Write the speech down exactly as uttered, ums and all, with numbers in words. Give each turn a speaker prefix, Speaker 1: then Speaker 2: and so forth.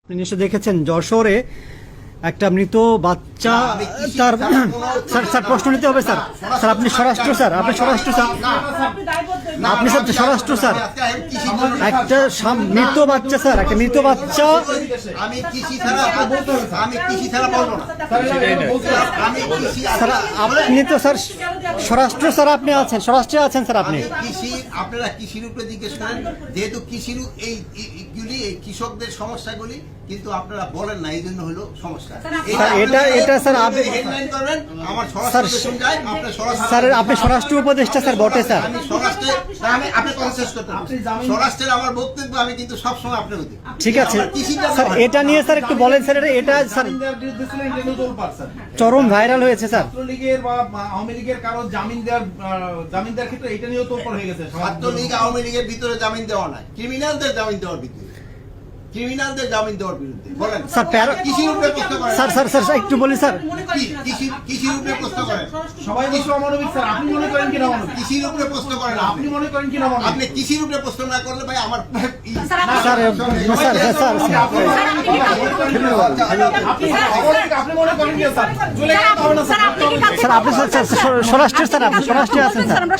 Speaker 1: আপনি নিশ্চয় দেখেছেন যশোরে একটা মৃত বাচ্চা তার স্যার স্যার প্রশ্ন নিতে হবে স্যার স্যার আপনি স্বরাষ্ট্র স্যার আপনি স্বরাষ্ট্র স্যার আপনি স্যার স্বরাষ্ট্র স্যার একটা মৃত বাচ্চা স্যার একটা মৃত বাচ্চা
Speaker 2: আমি কৃষি ছাড়া আমি কৃষি ছাড়া বলবো না আমি কৃষি
Speaker 1: স্যার আপনি তো স্যার স্বরাষ্ট্র স্যার আপনি আছেন স্বরাষ্ট্রে আছেন স্যার আপনি
Speaker 2: কৃষি আপনারা কৃষির উপরে জিজ্ঞেস করেন যেহেতু কৃষির এই এইগুলি এই কৃষকদের সমস্যাগুলি কিন্তু আপনারা বলেন না এই জন্য হলো সমস্যা
Speaker 1: এটা এটা স্যার আপনি
Speaker 2: হেডলাইন করবেন আমার স্বরাষ্ট্র শুন যায় আপনার স্বরাষ্ট্র
Speaker 1: স্যার আপনি স্বরাষ্ট্র উপদেষ্টা স্যার বটে স্যার
Speaker 2: আমি স্বরাষ্ট্রে আমি আপনি কনসেস করতে স্বরাষ্ট্রের আমার বক্তব্য আমি কিন্তু সব সময় আপনার হতে
Speaker 1: ঠিক আছে স্যার এটা নিয়ে স্যার একটু বলেন স্যার এটা এটা স্যার চরম ভাইরাল হয়েছে স্যার
Speaker 3: ছাত্রলীগের বা আওয়ামী লীগের কারো জামিন দেওয়ার জামিন দেওয়ার ক্ষেত্রে এটা নিয়েও তো হয়ে গেছে
Speaker 2: ছাত্রলীগ আওয়ামী লীগের ভিতরে জামিন দেওয়া নাই ক্রিমিনালদের জামিন দেওয়ার ভিতরে ক্রিমিনালদের জামিন দেওয়ার বিরুদ্ধে বলেন
Speaker 1: স্যার প্যারা
Speaker 2: কৃষির উপরে প্রশ্ন করেন
Speaker 1: স্যার স্যার স্যার একটু বলি স্যার
Speaker 2: কৃষি কৃষির উপরে প্রশ্ন করেন
Speaker 3: সবাই বলছে অমানবিক স্যার আপনি মনে করেন কিনা অমানবিক
Speaker 2: কৃষির উপরে প্রশ্ন করেন
Speaker 3: আপনি মনে করেন কিনা অমানবিক
Speaker 2: আপনি কৃষির উপরে প্রশ্ন না করলে ভাই আমার
Speaker 1: স্যার স্যার স্যার
Speaker 3: আপনি মনে করেন কিনা স্যার চলে গেলে হবে না স্যার
Speaker 1: স্যার আপনি স্যার স্যার স্বরাষ্ট্র স্যার আপনি স্বরাষ্ট্রে আছেন স্যার